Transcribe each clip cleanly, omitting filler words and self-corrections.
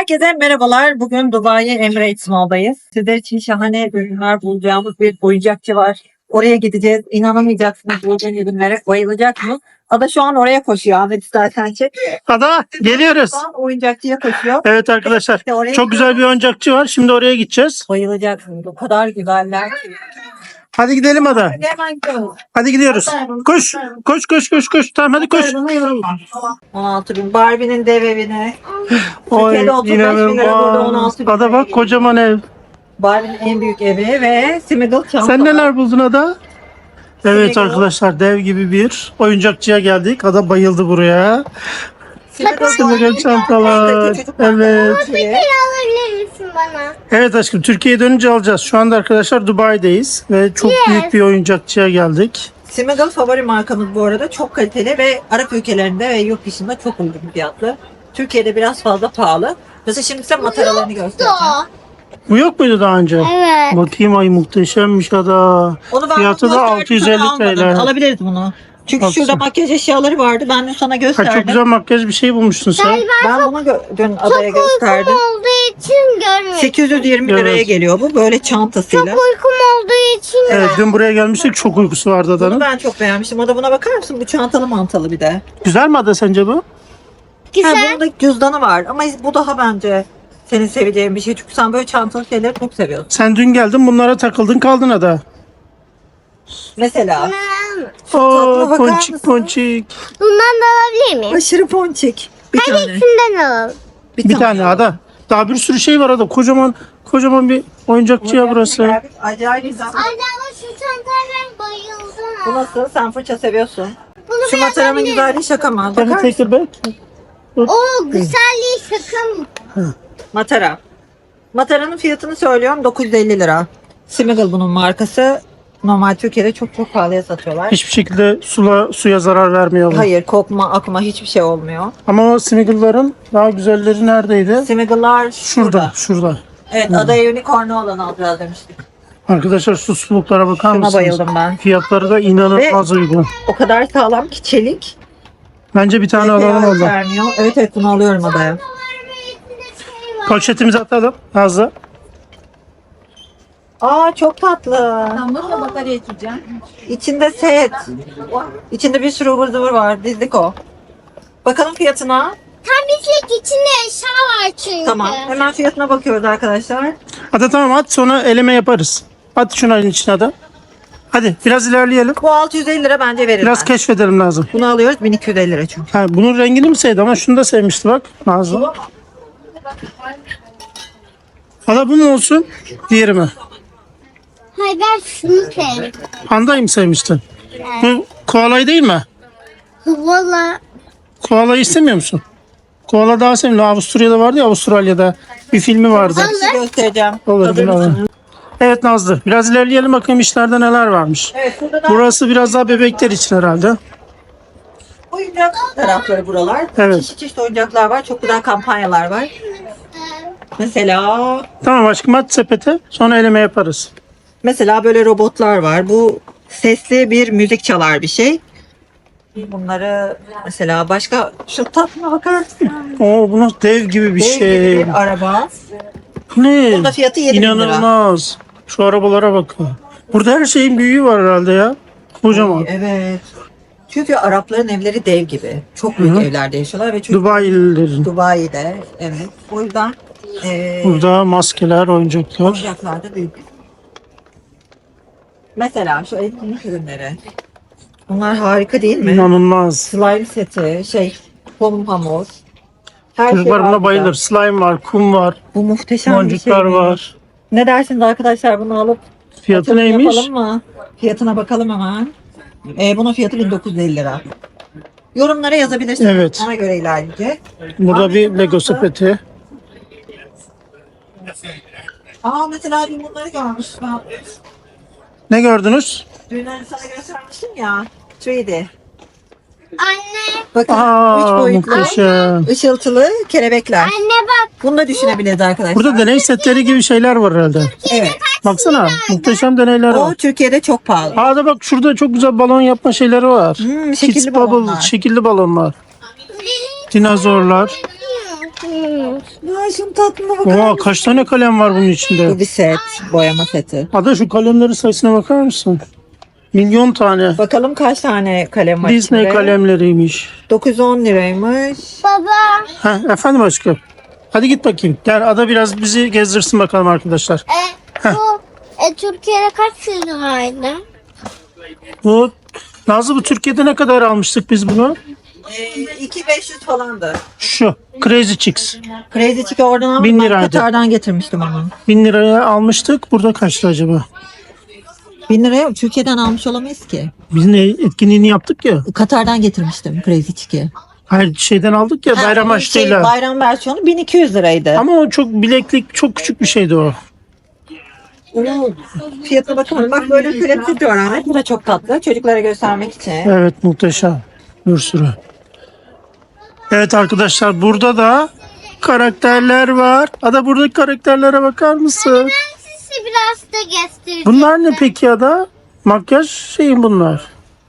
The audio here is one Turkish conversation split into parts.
Herkese merhabalar. Bugün Dubai Emirates Mall'dayız. Sizler için şahane ürünler bulacağımız bir oyuncakçı var. Oraya gideceğiz. İnanamayacaksınız bulacağın ürünlere. Bayılacak mı? Ada şu an oraya koşuyor. Ahmet istersen çek. Ada geliyoruz. Şu an oyuncakçıya koşuyor. Evet arkadaşlar. İşte oraya Çok güzel bir oyuncakçı var. Şimdi oraya gideceğiz. bayılacaksınız. O kadar güzeller ki. Hadi gidelim Ada. Hadi hemen gidiyoruz. Hadi gidiyoruz. Koş. Koş koş koş koş. Tamam hadi koş. Bana yorulma. 16 bin. Barbie'nin dev evine. Oy Türkiye'de 35 bin lira, burada 16 inanılmaz. bin Ada lira. bak kocaman ev. Barbie'nin en büyük evi ve Smiggle çanta. Sen neler buldun Ada? Evet Smiggle. arkadaşlar dev gibi bir oyuncakçıya geldik. Ada bayıldı buraya. Smiggle çantalar. Evet. Alabilir misin bana? Evet aşkım Türkiye'ye dönünce alacağız. Şu anda arkadaşlar Dubai'deyiz ve çok büyük bir oyuncakçıya geldik. Smiggle favori markamız bu arada. Çok kaliteli ve Arap ülkelerinde ve yurt dışında çok uygun fiyatlı. Türkiye'de biraz fazla pahalı. Mesela şimdi size mataralarını göstereceğim. Bu yok muydu daha önce? Evet. Bakayım ay muhteşemmiş Ada. Onu ben Fiyatı da gösterdim, 650 sana almadım. TL. Alabiliriz bunu. Çünkü Baksana. şurada makyaj eşyaları vardı. Ben de sana Ha, gösterdim. çok güzel makyaj bir şey bulmuşsun sen. Ben bunu dün adaya gösterdim. Olduğu için görmedim. 820 liraya Evet. geliyor bu. Böyle çantasıyla. Uykum olduğu için Evet dün buraya gelmiştik çok uykusu vardı Bunu Ada'nın. ben çok beğenmiştim. Ada buna bakar mısın? Bu çantalı mantalı bir de. Güzel mi Ada sence bu? Ha, güzel. bunun da cüzdanı var. Ama bu daha bence senin seveceğin bir şey. Çünkü sen böyle çantalı şeyleri çok seviyorsun. Sen dün geldin bunlara takıldın kaldın Ada. Mesela. Oo bakar ponçik mısın? ponçik. Bundan da alabilir miyim? Aşırı ponçik. Bir tane. Şundan alalım. Bir tane Ada. Daha bir sürü şey var Ada. Kocaman bir oyuncakçıya burası. Acayip güzel. Anne ama şu çantaya ben bayıldım. Bu nasıl? Sen fırça seviyorsun. Bunu Şu ben mataranın alabilirim. güzelliği şaka mı? Can you Bakar mısın? take it back? Oo güzelliği şaka mı? Matara. Mataranın fiyatını söylüyorum 950 lira. Smiggle bunun markası. Normal Türkiye'de çok çok pahalıya satıyorlar. Hiçbir şekilde suya zarar vermiyor. Hayır, kokma, akma hiçbir şey olmuyor. Ama o Smiggle'ların daha güzelleri neredeydi? Smigle'lar Şurada. Evet, adaya unicorn'u olan alacağız demiştik. Arkadaşlar şu suluklara bakar Şuna mısınız? bayıldım ben. Fiyatları da inanılmaz uygun. O kadar sağlam ki çelik. Bence bir tane alalım Fiyat orada. vermiyor. Evet bunu alıyorum adaya. Poşetimizi atalım Nazlı. Aa çok tatlı. Bununla batarya içeceğim. İçinde set. İçinde bir sürü ıvır zıvır var. Dizdik o. Bakalım fiyatına. Tam bizlik içinde eşya var çünkü. Tamam. Hemen fiyatına bakıyoruz arkadaşlar. Hadi tamam at sonra eleme yaparız. At şunu elin içine de. Hadi biraz ilerleyelim. Bu 650 lira bence verir. Biraz keşfedelim lazım. Bunu alıyoruz 1250 lira çünkü. Ha, bunun rengini mi sevdi ama şunu da sevmişti bak Nazlı. Hala bu mu olsun? Diğeri mi? Hayır ben şunu sevdim. Pandayı mı sevmiştin? Bu koalayı değil mi? Valla Koalayı istemiyor musun? Koala daha sevimli. Avusturya'da vardı ya Avustralya'da bir filmi vardı. Bir şey göstereceğim. Olur Hazır bunu mısın? alalım. Evet Nazlı biraz ilerleyelim bakayım işlerde neler varmış. Evet burada da Burası biraz daha bebekler için herhalde. oyuncak tarafları buralar. Evet. Çeşit çeşit oyuncaklar var. Çok güzel kampanyalar var. Tamam aşkım at sepete sonra eleme yaparız. Mesela böyle robotlar var. Bu sesli bir müzik çalar bir şey. Bunları mesela başka şu tatlına bakar mısın? Oo bu nasıl dev gibi bir Dev şey. gibi bir araba. Ne? Bunun da fiyatı 7.000 lira. İnanılmaz. Şu arabalara bakın. Burada her şeyin büyüğü var herhalde ya. Kocaman. Evet. Çünkü Arapların evleri dev gibi. Çok büyük evlerde yaşıyorlar ve çünkü Dubai'lilerin. Dubai'de evet. O yüzden Burada maskeler, oyuncaklar. oyuncaklar da büyük. Mesela şu etkinlik ürünleri. Bunlar harika değil mi? İnanılmaz. Slime seti, pom hamur. Her Çocuklar var buna burada. bayılır. Slime var, kum var, Bu muhteşem bir şey. boncuklar var. Ne dersiniz arkadaşlar bunu alıp Fiyatı açılım neymiş? yapalım mı? Fiyatına bakalım hemen. Bunun fiyatı 1950 lira. Yorumlara yazabilirsiniz. Evet. Ona göre ilerleyeceğiz. Burada bir Lego sepeti. Mesela dün bunları görmüş. Ben Ne gördünüz? dün sana göstermiştim ya. 3D. anne. Bakın 3 boyutlu Muhteşem. ışıltılı kelebekler. Anne bak. Bunu da düşünebiliriz arkadaşlar. Burada deney setleri gibi şeyler var herhalde. Evet. Baksana muhteşem deneyler O var. Türkiye'de çok pahalı. Aa da bak şurada çok güzel balon yapma şeyleri var. Şekilli Kids balonlar. Bubble, şekilli balonlar. Dinozorlar. Ya şunun tatlına bakar Oha, mısın? kaç tane kalem var bunun içinde? Bu bir set. Boyama seti. Ada şu kalemlerin sayısına bakar mısın? Milyon tane. Bakalım kaç tane kalem var Disney içinde? kalemleriymiş. 910 liraymış. Baba. Ha, efendim aşkım. Hadi git bakayım. Gel Ada biraz bizi gezdirsin bakalım arkadaşlar. Bu Türkiye'de kaç liraydı? Bu Nazlı, bu Türkiye'de ne kadar almıştık biz bunu? 2500 falandı. Şu Crazy Chicks. Crazy Chick'i oradan aldım. 1000 Ben liraydı. Katar'dan getirmiştim onu. 1000 liraya almıştık. Burada kaçtı acaba? 1000 liraya Türkiye'den almış olamayız ki. Biz ne etkinliğini yaptık ya. Katar'dan getirmiştim Crazy Chick'i. Hayır, şeyden aldık ya, bayram Ha, açtığıyla. bayram versiyonu 1200 liraydı. Ama o çok bileklik, çok küçük bir şeydi o. Onun fiyatına bakalım. Bak böyle plastik var Ahmet. Bu da çok tatlı. Çocuklara göstermek için. Evet, muhteşem. Bir sürü. Evet arkadaşlar, burada da karakterler var. Ada, buradaki karakterlere bakar mısın? Ben sizi biraz da göstereceğim. Bunlar ne peki Ada? Makyaj şeyi bunlar.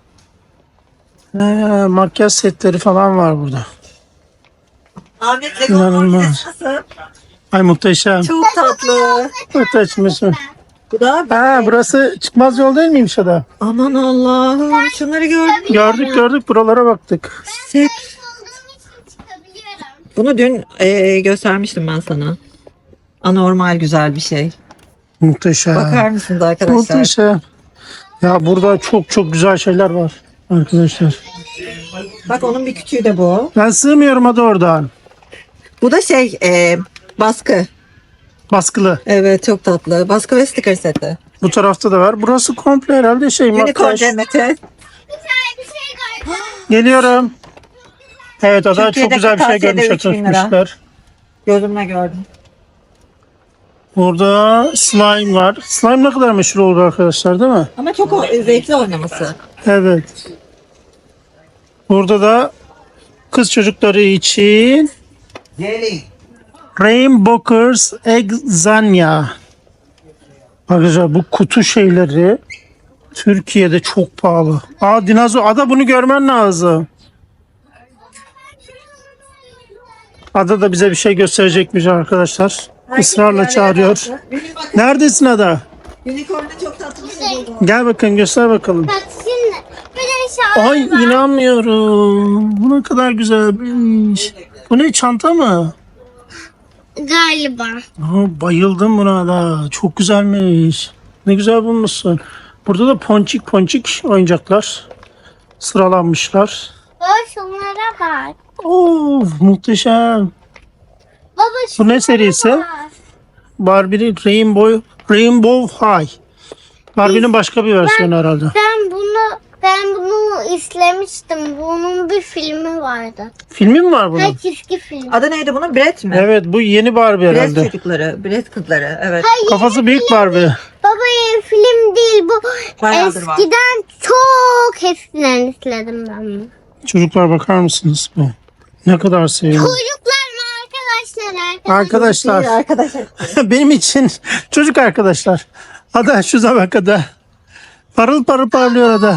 Makyaj setleri falan var burada. Ahmet İnanılmaz. nasıl? Ay muhteşem. Çok tatlı. Muhteşem. Bu da Ha, burası çıkmaz yol değil miymiş Ada? aman Allah'ım. Şunları gördün mü? Gördük, buralara baktık. Set. Olduğum için çıkabiliyorum. Bunu dün göstermiştim ben sana. Anormal güzel bir şey. Muhteşem. Bakar mısınız arkadaşlar? Muhteşem. Ya burada çok güzel şeyler var arkadaşlar. Bak onun bir küçüğü de bu. Ben sığmıyorum Ada oradan. Bu da şey baskı. Baskılı. Evet çok tatlı. Baskı ve sticker seti. Bu tarafta da var. Burası komple herhalde şey, Unicorn makyaj. cenneti. Bir tane bir şey gördüm. Geliyorum. Evet Ada, çok Türkiye'deki güzel bir şey tavsiyede görmüş, 3000 lira. atmışlar. Gözümle gördüm. Burada slime var. Slime ne kadar meşhur oldu arkadaşlar, değil mi? Ama çok zevkli oynaması. Evet. Burada da kız çocukları için Rainbowers Exania. Arkadaşlar bu kutu şeyleri Türkiye'de çok pahalı. Aa, dinozor. Ada, bunu görmen lazım. Ada da bize bir şey gösterecekmiş arkadaşlar. Israrla çağırıyor. Neredesin Ada? Unicorn'da çok tatlı bir şey oldu. Gel bakın, göster bakalım. Bak şimdi bir de şahane Ay, inanmıyorum. Bu ne kadar güzelmiş. Bu ne, çanta mı? galiba. Aa, bayıldım buna da. Çok güzelmiş. Ne güzel bulmuşsun. Burada da ponçik oyuncaklar sıralanmışlar. Baba şunlara bak. Oo, muhteşem. Baba Bu şunlara ne serisi? bak. Barbie'nin Rainbow High. Barbie'nin başka bir versiyonu herhalde. Ben bunu izlemiştim. Bunun bir filmi vardı. Filmi mi var bunun? Hayır, çizgi film. Adı neydi bunun? Brett mi? Evet, bu yeni Barbie Brett herhalde. çocukları, Brett kızları. Evet. Kafası büyük Barbie. Baba film değil bu. Bayağıdır var. Eskiden çok eskiden izledim ben bunu. Çocuklar bakar mısınız bu? Ne kadar seviyorum. Çocuklar mı arkadaşlar? Arkadaşlar, Arkadaşlar. benim için çocuk arkadaşlar. Ada, şuna bak Ada. Parıl parlıyor Ada.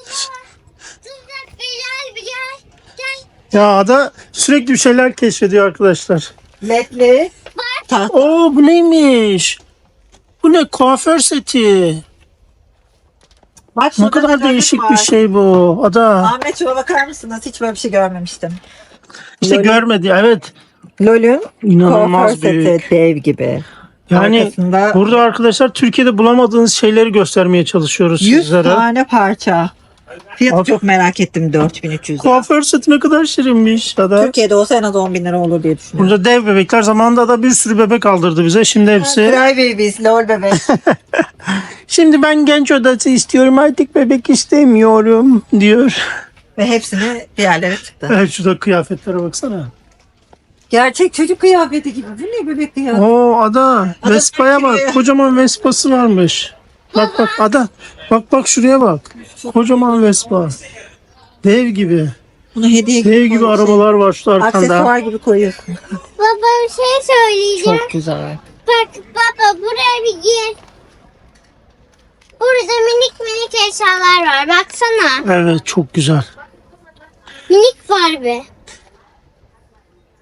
Gel bir gel. Gel. Ya Ada sürekli bir şeyler keşfediyor arkadaşlar. Ledli. Taht. Oo, bu neymiş? Bu ne, kuaför seti. Bak Ne şurada kadar da değişik var. bir şey bu Ada. Ahmet şuna bakar mısınız? Hiç böyle bir şey görmemiştim. İşte Lol'ün- görmedi, evet. Lol'ün İnanılmaz kuaför büyük. seti dev gibi. Yani Arkasında burada arkadaşlar Türkiye'de bulamadığınız şeyleri göstermeye çalışıyoruz 100 sizlere. tane parça. Fiyatı Bak. çok merak ettim, 4300 lira. Kuaför seti ne kadar şirinmiş Ada. Türkiye'de olsa en az 10 bin lira olur diye düşünüyorum. Burada dev bebekler, zamanında da bir sürü bebek aldırdı bize. Şimdi hepsi. Cry Babies, lol bebek. Şimdi ben genç odası istiyorum, artık bebek istemiyorum diyor. Ve hepsini bir yerlere tıktı. Evet, şurada kıyafetlere baksana. Gerçek çocuk kıyafeti gibi. Bu ne bebek kıyafeti? Oo Ada, Vespa'ya bak. bekliyor. Kocaman Vespa'sı varmış. Bak Ada. Bak şuraya bak. Kocaman Vespa. Dev gibi. Bunu hediye Dev gibi koyuyorsun. arabalar var şu arkanda. Aksesuar gibi koyuyorsun. Baba bir şey söyleyeceğim. Çok güzel. Bak baba buraya bir gir. Burada minik eşyalar var. Baksana. Evet, çok güzel. Minik Barbie.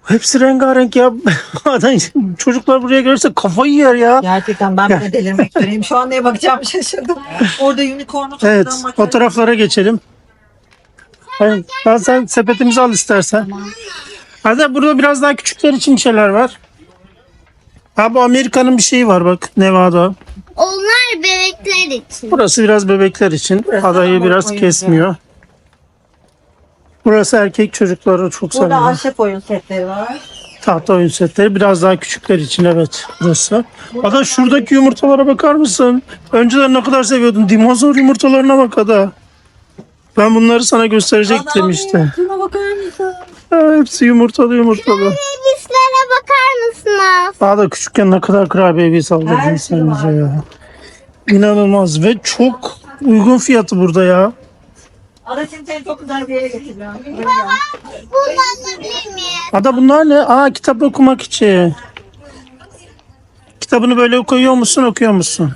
Hepsi rengarenk ya. Adam, çocuklar buraya gelirse kafayı yer ya. Gerçekten ben bile delirmek üzereyim. Şu an neye bakacağımı şaşırdım. Orada unicorn'u Evet, toplam o taraflara geçelim. Hayır, sen sepetimizi al istersen. Hadi burada biraz daha küçükler için şeyler var. Ha bu Amerika'nın bir şeyi var bak, Nevada. Onlar bebekler için. Burası biraz bebekler için. Adayı biraz oyuncu. kesmiyor. Burası erkek çocukları çok Burada seviyor. ahşap oyun setleri var. Tahta oyun setleri biraz daha küçükler için, evet burası. Ada şuradaki yumurtalara bakar mısın? Önceden ne kadar seviyordun. Dinozor yumurtalarına bak Ada. Ben bunları sana gösterecektim işte. Şuna bakar mısın? Ha, hepsi yumurtalı yumurtalı. Bebislere bakar mısınız? Daha da küçükken ne kadar kurabiye saldırdın Her sen şey bize var. ya. İnanılmaz ve çok uygun fiyatı burada ya. Ada şimdi seni çok güzel bir yere getireceğim. Bunu alabilir miyim? Ada bunlar ne? Aa, kitap okumak için. Kitabını böyle koyuyor musun, okuyor musun?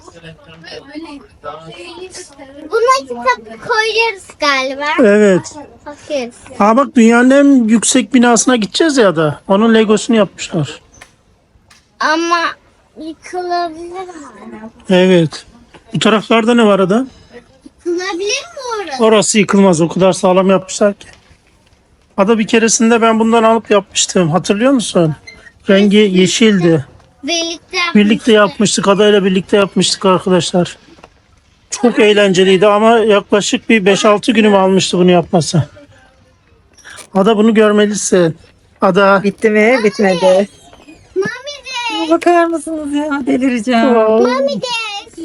Buna kitap koyuyoruz galiba. Evet. Bakıyoruz. Aa bak, dünyanın en yüksek binasına gideceğiz ya da. Onun Legosunu yapmışlar. Ama yıkılabilir mi? Evet. Bu taraflarda ne var Ada? Yıkılabilir mi orası? Orası yıkılmaz. O kadar sağlam yapmışlar ki. Ada bir keresinde ben bundan alıp yapmıştım. Hatırlıyor musun? Rengi yeşildi. Birlikte yapmıştık. Adayla birlikte yapmıştık arkadaşlar. Çok eğlenceliydi ama yaklaşık bir 5-6 günüm almıştı bunu yapması. Ada bunu görmelisin. Ada. Bitti mi? Bitmedi. Mami de. Bakar mısınız ya? Delireceğim. Mami de.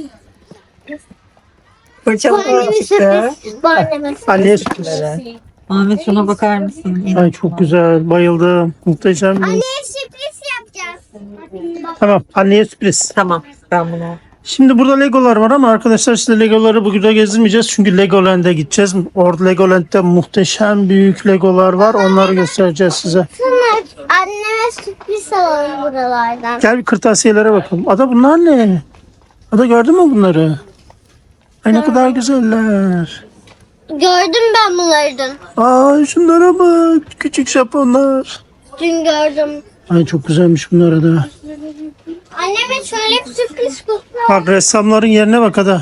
Fırçalı Bu anneme çıktı. sürpriz. Bu anneme sürpriz. Anneye sürpriz. Ahmet şuna bakar mısın? Ay çok güzel. Bayıldım. Muhteşem bir. Anneye sürpriz yapacağız. Tamam. Anneye sürpriz. Tamam. Ben bunu. Şimdi burada Legolar var ama arkadaşlar size Legoları bugün de gezdirmeyeceğiz. Çünkü Legoland'e gideceğiz. Orada Legoland'de muhteşem büyük Legolar var. Onları göstereceğiz size. Sonra anneme sürpriz alalım buralardan. Gel bir kırtasiyelere bakalım. Ada bunlar ne? Ada gördün mü bunları? Ay ne kadar güzeller. Gördüm ben bunları dün. Aa şunlara bak. Küçük Japonlar. Dün gördüm. Ay çok güzelmiş bunlar Ada. Anneme şöyle bir sürpriz kutu. Bak ressamların yerine bak Ada.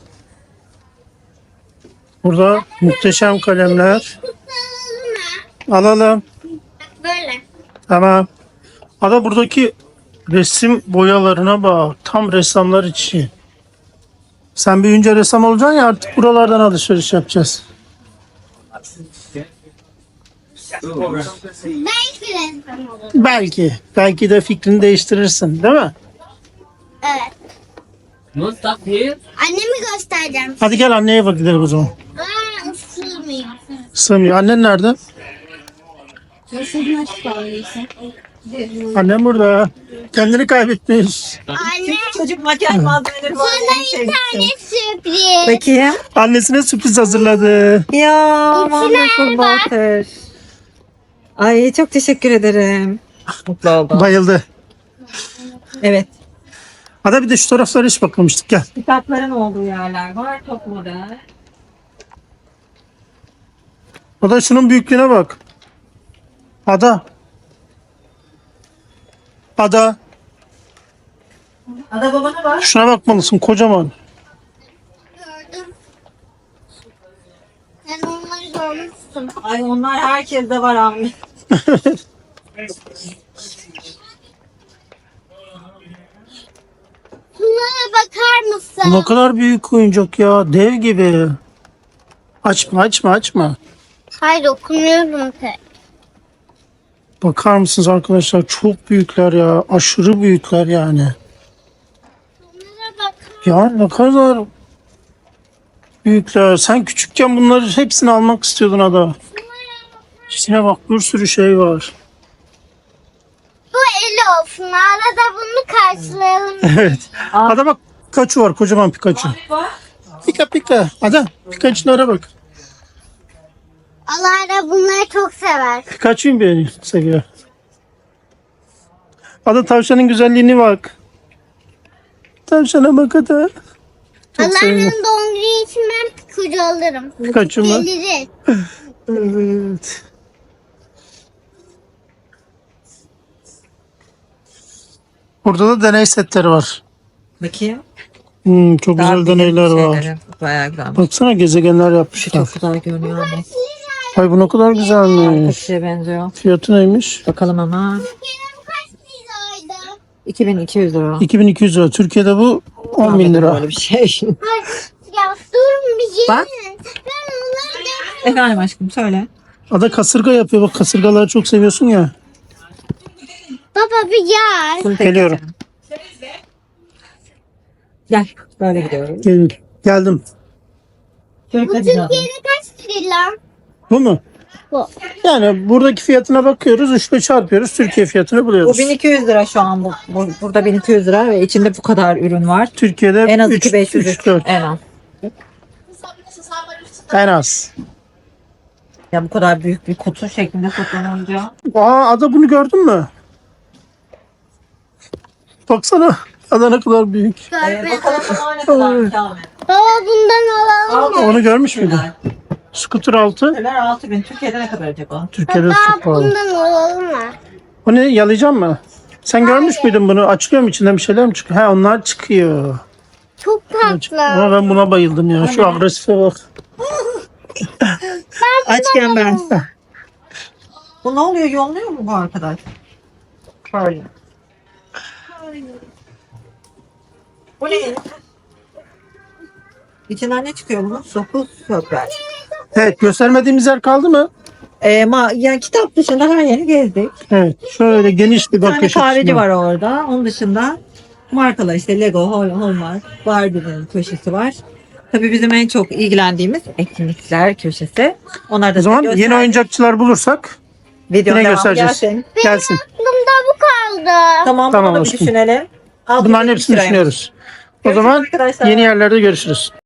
Burada muhteşem kalemler. Alalım. Böyle. Tamam. Ada buradaki resim boyalarına bak. Tam ressamlar için. Sen büyüyünce ressam olacaksın ya, artık buralardan alışveriş yapacağız. Belki resmen olur. Belki. Belki de fikrini değiştirirsin değil mi? Evet. No stuff here. Annemi göstereceğim. Hadi gel anneye bak gidelim o zaman. Aa ısırmıyor. Sığmıyor. Annen nerede? Annem burada. Kendini kaybetmiş. Anne Çocuk makyaj malzemeleri var. sana En bir sevdiğim. tane sürpriz. Peki. Annesine sürpriz hazırladı. Ya İçine wonderful bak. water. Ay çok teşekkür ederim. Mutlu oldum. Bayıldı. Evet. Hadi bir de şu taraflara hiç bakmamıştık. Gel. Kitapların olduğu yerler var. Çok modern. O da şunun büyüklüğüne bak. Ada. Ada. Ada babana bak. Şuna bakmalısın, kocaman. Gördüm. Sen onları görmüşsün. Ay onlar herkeste var Ahmet. Bunlara bakar mısın? Ne kadar büyük oyuncak ya. Dev gibi. Açma açma açma. Hayır okumuyorum pek. Bakar mısınız arkadaşlar? Çok büyükler ya. Aşırı büyükler yani. Bunlara bakar. Ya ne kadar büyükler. Sen küçükken bunları hepsini almak istiyordun Ada. İçine bak, bir sürü şey var. Bu el olsun. Arada bunu karşılayalım. Evet. Ada bak, Pikachu var. Kocaman Pikachu. Pika Pika. Ada Pikachu'lara bak. Allah da bunları çok sever. Pikachu'yu beğeniyor, seviyor. Ada tavşanın güzelliğine bak. Tavşana bak Ada. Çok seviyor. Allah'ın doğum günü için ben Pikachu alırım. Pikachu mu? Gelir. Evet. Burada da deney setleri var. Bakayım. Çok Daha güzel bilim deneyler var. şeyleri. Bayağı güzel. Baksana gezegenler yapmışlar. Çok güzel görünüyor ama. Ay bu ne kadar Harika bir güzelmiş. şeye benziyor. Fiyatı neymiş? Bakalım ama. Kaç liraydı? 2200 lira. 2200 lira. Türkiye'de bu 10 bin lira. Böyle bir şey. Ya durun bir şey. Bak. Ben onları Efendim aşkım söyle. Ada kasırga yapıyor. Bak kasırgaları çok seviyorsun ya. Baba bir gel. Bunu tek Geliyorum. geçelim. Gel. Böyle gidiyoruz. Geldim. Şöyle Bu gidiyorum. Türkiye'de kaç lira? Bu mu? Bu. Yani buradaki fiyatına bakıyoruz. 3'le çarpıyoruz. Türkiye fiyatını Bu buluyoruz. 1200 lira şu an. Burada 1200 lira ve içinde bu kadar ürün var. Türkiye'de En az 3, 2500 3, 4. en az. En az. Ya bu kadar büyük bir kutu şeklinde satılınca. Ada bunu gördün mü? Baksana. Ada ne kadar büyük. Bakalım bunlar ne kadar Kamil. Baba bundan alalım. Onu görmüş müydün? Scooter 6. Neler 6000. Türkiye'de ne kadar acaba? Türkiye'de Baba çok pahalı. bundan alalım mı? O ne? Yalayacak mı? Sen görmüş müydün bunu? Açılıyor mu içinden bir şeyler mi çıkıyor? He onlar çıkıyor. Çok tatlı. Ama ben buna bayıldım ya. Şu agresife bak. Açken ben. Bu ne oluyor? Yolluyor mu bu arkadaş? Böyle. Bu ne? İçinden ne çıkıyor bunun? Sokuz sökler. Evet göstermediğimiz yer kaldı mı? Yani kitap dışında her yeri gezdik. Evet. Şöyle geniş bir Bir tane bakış kahveci açısına. var orada. Onun dışında markalar işte Lego, Hallmark, Barbie'nin köşesi var. Tabii bizim en çok ilgilendiğimiz etkinlikler köşesi. Onlar da O zaman size yeni göster- oyuncakçılar bulursak Videonun yine devamı göstereceğiz. gelsin. Gelsin. Aklımda bu kaldı. Tamam, Tamam bunu bir aşkım. düşünelim. Bunların 600 hepsini liraymış. düşünüyoruz. O Görüşürüz zaman arkadaşlar. yeni yerlerde görüşürüz.